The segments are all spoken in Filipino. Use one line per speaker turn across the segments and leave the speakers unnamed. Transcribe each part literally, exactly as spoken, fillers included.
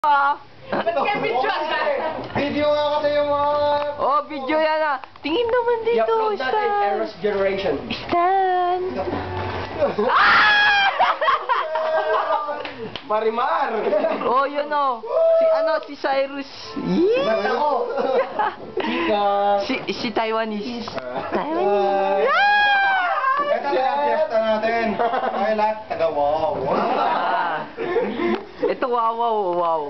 Ba't ka video ka?
Video nga kasi yung mga...
Oh, video yan ah. Tingin naman dito,
I-upload natin,
Stan.
Eros Generation.
Stan. Ah!
Marimar!
Oh, yun oh. Si ano, si Cyrus.
Ba't ako? Chika!
Si, si Taiwanese.
Ah.
Taiwanese.
Ito na ang piyesta natin. Ay, lahat taga-wow.
Ah. Ito wow, wow, wow.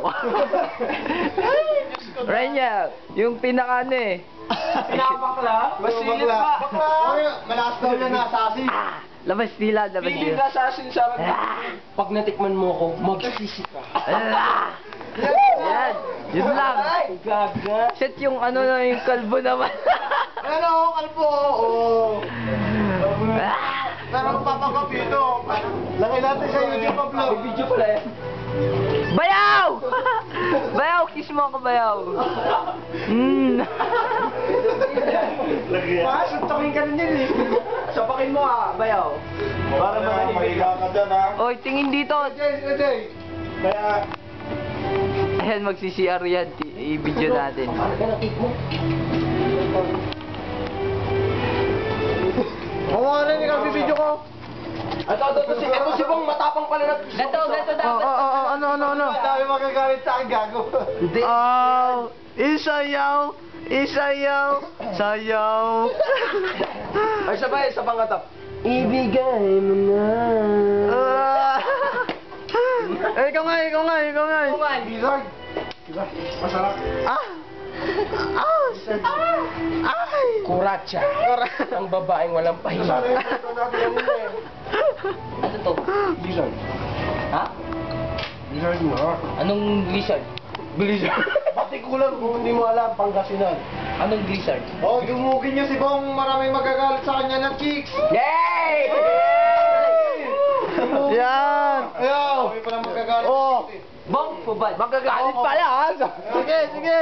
Renya, yung pinaka ano eh.
Pinapakla? Masilip pa. Malakas daw yan na assassin.
Ah, labas nila, labas
Feeling
nila.
ka assassin sa akin. Pag natikman mo ako, magsisisi ka.
Ah. Yan, yun lang.
Ay, gaga.
Set yung ano na yung kalbo naman.
Ano, kalbo? Oo.
Ah.
Pero papakapito. Laki natin sa YouTube upload. May video pala yan.
Bayaw! Bayaw, kiss mo ako, bayaw. Mm.
Ah, suntokin ka rin yun eh. Sapakin mo ah, bayaw. Para mga mahiga ka dyan ha.
Oy, tingin dito.
Jay, Jay. Kaya...
Ayan, magsi-C R yan. Ti- I-video natin.
Paano ka na-take mo? Oo nga rin, ikaw video ko. Ito, ito, ito, si, ito si Bong matapang pala na.
Gato, gato
Oh,
dapat.
oh, oh, ano, ano, ano?
Ang dami magagalit sa akin, gago.
Hindi.
Oh, isayaw, isayaw, sayaw.
Ay, sabay, sa pangatap. Ibigay mo na.
Ah. Eh, ikaw nga, ikaw nga, ikaw nga.
Lizard. Diba? Masarap.
Ah! Ah! Ay!
Kuratsa. Ang babaeng walang pahinga.
Ano to?
Lizard.
Ha?
Lizard mo.
Anong lizard?
Blizzard. Pati kulang kung hindi mo alam, Pangasinan.
Anong lizard?
Oh, dumugin niyo si Bong, maraming magagalit sa kanya ng chicks.
Yay!
Yan!
Ayaw! May pala magagalit.
Oh!
Bong kubad.
Magagalit pala, ha? Sige, sige.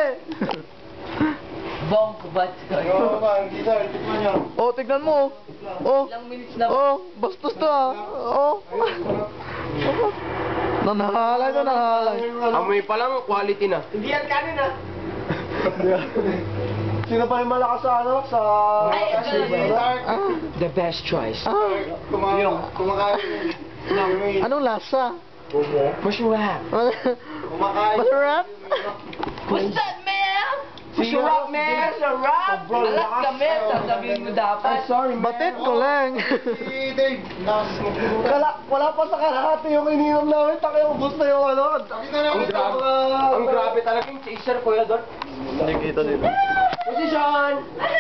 Bong kubad.
Oo, man, Lizard, tikman niyo.
Oh, tignan mo. Oh.
Ilang minutes na ba?
Oh, bastos to, ha? Oh. Nanahalay to, nanahalay.
Amoy pa lang, quality na. Hindi yan kanin ah. Sino pa yung malakas sa ano? Sa...
Ay, ito na yun.
Ah.
The best choice.
Ah.
Kumakain. Kumakain.
Anong lasa?
Masarap. Kumakain.
Masarap?
What's that, man?
Masarap, man.
Masarap! Alat kami, sasabihin mo dapat.
sorry,
Batit ko lang.
Si Dave, lakas mo. Kala, wala pa sa kalahati yung ininom namin. Taki yung bus na yung ano. Ang grabe, ang grabe talaga yung chaser, Kuya Dot.
Hindi kita dito.
Position!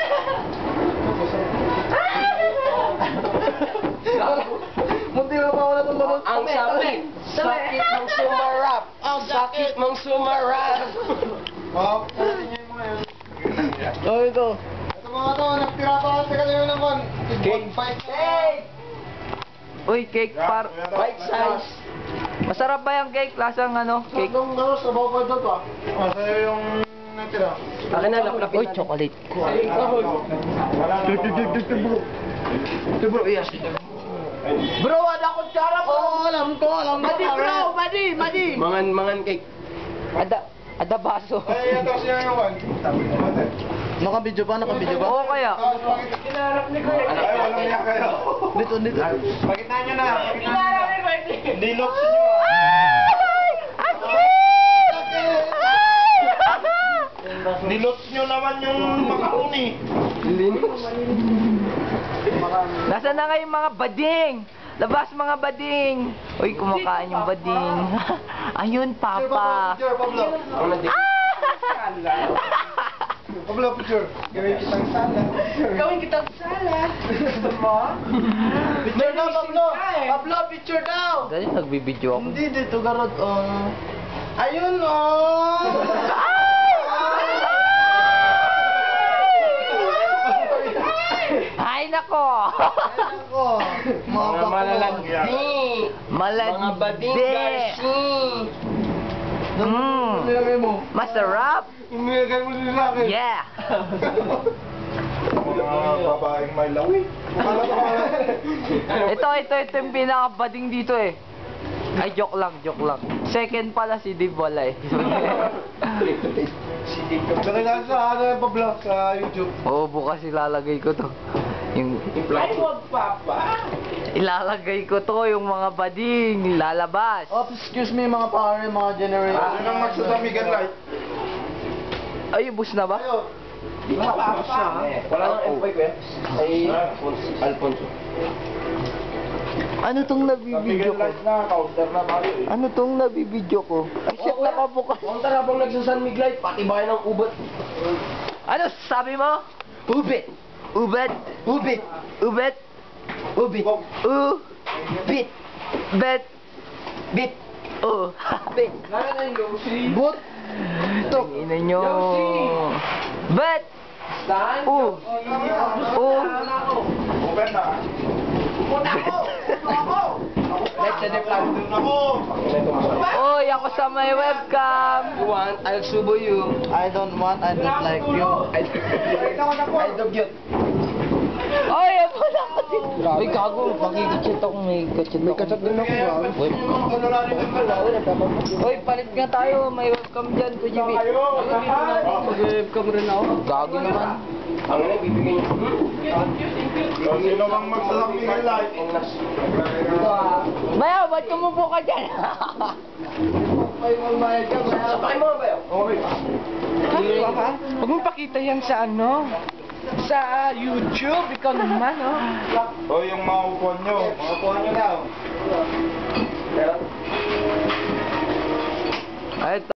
Munti na pa ako natulunod. Ang sakit. Sakit ng sumarap. Ang sakit ng sumarap. Oh, pwede niyo yung mga yun.
Oh, ito.
Ito mga to, nagtira pa kasi kanina naman. Cake. Cake!
Uy, cake par...
Bite size.
Masarap ba yung cake? Lasang ano? Cake?
Nung ano, sa bawah ko to ah. Ah, sa'yo yung natira. Akin na, laplapin
Uy, chocolate.
Wala na. Ito bro, yes. Bro, ada kutsara po.
Oh, alam ko, alam ko.
Madi bro! Madi! Madi!
Mangan, mangan cake.
Ada, ada baso.
Ay, ito siya yung one.
Nakabidyo ba? Nakabidyo ba?
Oo kaya.
Kinarap ni Kuya. Ay, walang niya kayo.
Dito, dito.
Pakita nyo na. Kinarap ni Kuya. Dinoksin nyo ah.
Ay!
Nilots nyo naman yung makahuni. Linux.
Nasaan na nga yung mga bading? Labas mga bading! Uy, kumakain yung bading. Ayun, papa.
Picture, Pablo. Pablo, picture. Gawin kitang sala.
Gawin kitang sala.
Gusto mo? Picture daw, Pablo. Pablo, picture daw.
Dali, nagbibideo ako.
Hindi, dito, garot. Oh.
Ayun, oh.
Ay, nako!
Ako. Mga
malalandi.
Malandi.
Mga bading garsi.
Mm.
Nilagay mo.
Masarap!
Nilagay mo din sa akin.
Yeah!
Mga babaeng may lawi.
Ito, ito, ito yung pinaka-bading dito eh. Ay, joke lang, joke lang. Second pala si Dib wala eh.
Kailangan sa ano yung pa-vlog sa YouTube.
Oo, bukas ilalagay ko to. Yung
Ay, wag papa.
ilalagay ko to yung mga bading lalabas.
Oh, excuse me mga pare, mga generation.
Ano nang magsasamigan light?
Ay, ubus na ba?
Ayo.
Di ba papa? Wala nang employee ko yan. Ay, Alfonso.
Ano tong nabibidyo ko?
na, counter na tayo eh.
Ano tong nabibidyo ko? Ay, shit,
Oo,
nakabukas.
Counter habang nagsasanmig light, pati bayan ng ubot.
Ano sabi mo?
Ubit!
Ubet?
Ubit!
Ubet?
Ubit!
U?
Bit!
Bet?
Bit!
U? Bet?
Lala na yung Yoshi.
Boot.
Ito. Ina nyo.
Yoshi!
Bet?
Saan?
U? U?
Ubit na. Puta ko! Puta ko! Let's set the plan.
Oy, ako sa may webcam.
You want, I'll subo you.
I don't want, I don't like you.
I I dog you.
Oy, ako na ako dito. Uy, gago. Magigitsit ako. May kachat ako. May kachat din ako. Uy. Uy, palit nga tayo. May webcam dyan. Kuya Jimmy.
Mag-webcam rin ako.
Gago naman.
Ang ina, bibigyan niyo.
Sino bang magsasabihin live?
Maya, ba't kumupo ka dyan?
Sabay mo ba yun?
Ano ka? Huwag mo pakita yan sa ano? Sa YouTube. Ikaw naman, oh.
O yung mga upuan nyo. Mga upuan nyo na.
Ay,